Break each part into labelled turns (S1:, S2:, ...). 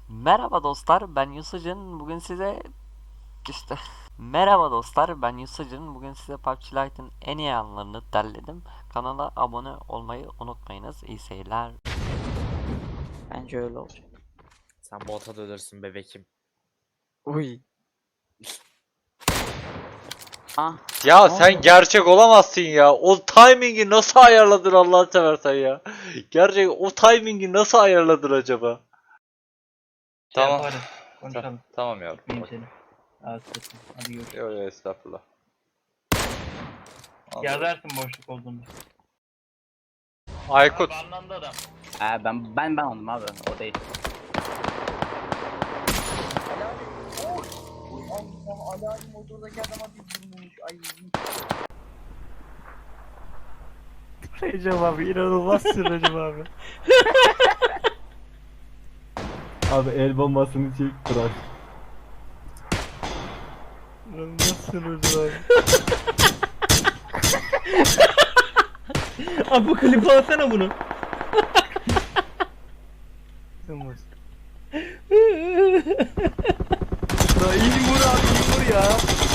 S1: Merhaba dostlar, ben Yusuf'cun. Bugün size işte Merhaba dostlar, ben Yusuf'cun. Bugün size PUBG Lite'ın en iyi anlarını derledim. Kanala abone olmayı unutmayınız. İyi seyirler.
S2: Bence öyle olacak.
S3: Sen bota dönürsün bebekim.
S2: Uy. Ah.
S3: Ya
S2: Ne
S3: sen
S2: oldu?
S3: gerçek olamazsın ya. O timingi nasıl ayarladın Allah'ını seversen ya. Gerçek o timingi nasıl ayarladın acaba? Tamam.
S4: Yaparız. Konuşalım.
S3: Tamam yavrum.
S4: Tutmayayım seni. Rahatsız etme. Hadi görüşürüz.
S3: Yok yok estağfurullah.
S4: Yazarsın boşluk olduğunu.
S3: Aykut.
S4: Abi anlandı adam.
S2: Ben aldım abi. O değil.
S5: Alarm motoradaki adama bir vurmuş. Ay.
S6: Recep abi inanılmazsın Recep abi. Abi el bombasını çek bırak. İnanılmazsın Recep abi.
S4: Abi bu klipi alsana bunu.
S6: İnanılmaz.
S4: Ya iyi vur abi iyi vur ya.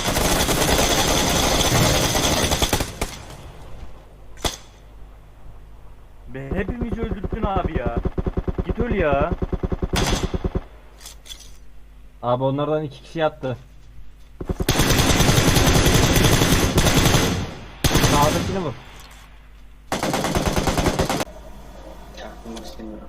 S6: Be hepimizi öldürdün abi ya. Git öl ya. Abi onlardan 2 kişi yattı. Sağdakini vur.
S5: Çaktırmak istemiyorum.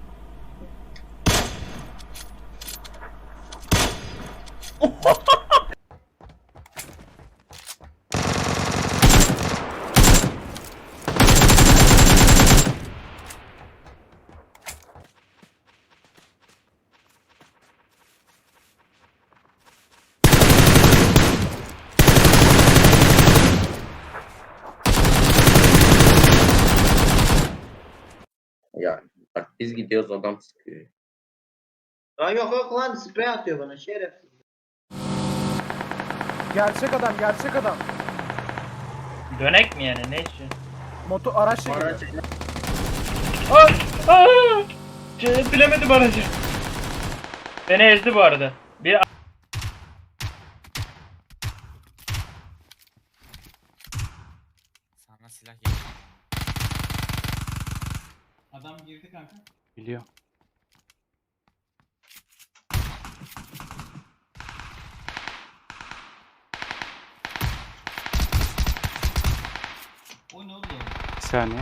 S5: Ya bak biz gidiyoruz adam sıkıyor. Lan yok lan sprey atıyor bana şerefsiz.
S7: Gerçek adam, gerçek adam.
S4: Dönek mi yani ne için?
S7: Araçla
S5: Bana
S7: geliyor.
S4: Bilemedim aracı. Beni ezdi bu arada. Bir
S3: Sana silah gel.
S4: adam girdi kanka.
S6: Biliyor.
S4: O ne oldu?
S6: Bir saniye.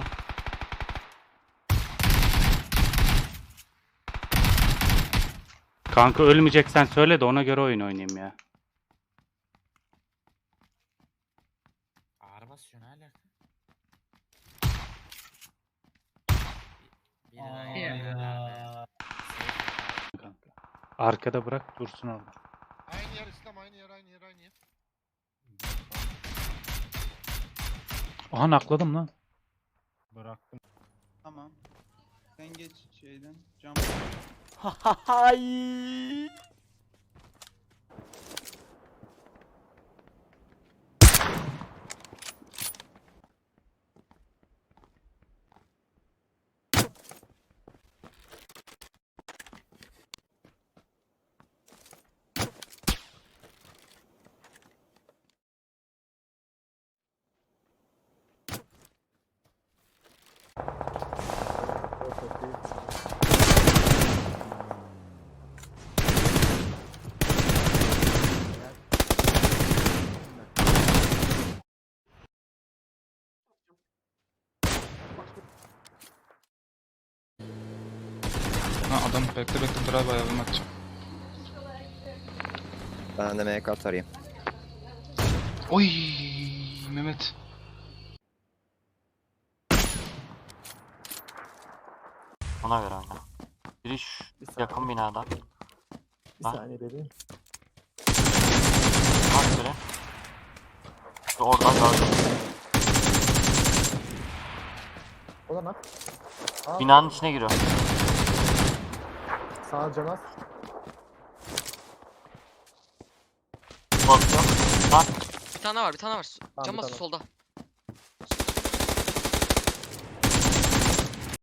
S6: Kanka ölmeyeceksen söyle de ona göre oyun oynayayım ya.
S3: Ağır basıyor ne alaka?
S4: Ya.
S6: Kanka. Arkada bırak dursun orada.
S8: Aynı yer İslam, aynı yer, aynı yer, aynı yer.
S6: Aha nakladım lan.
S7: Bıraktım. Tamam. Sen geç şeyden. Cam.
S1: Hay.
S9: Ha adam bekle drive ayarını atacağım.
S10: Ben de MK atarayım.
S9: Oy Mehmet.
S1: Ona göre oyna. Biri şu yakın binada.
S7: Bir
S1: Ha?
S7: saniye bebeğim.
S1: Bak biri. Şu oradan gördüm.
S7: O da nak.
S1: Binanın içine giriyor.
S7: Sağ canaz.
S1: Basıyor. Bak.
S11: Bir tane var, bir tane var.
S7: Tamam,
S11: Cam
S7: bir
S11: bası
S7: tane.
S11: solda.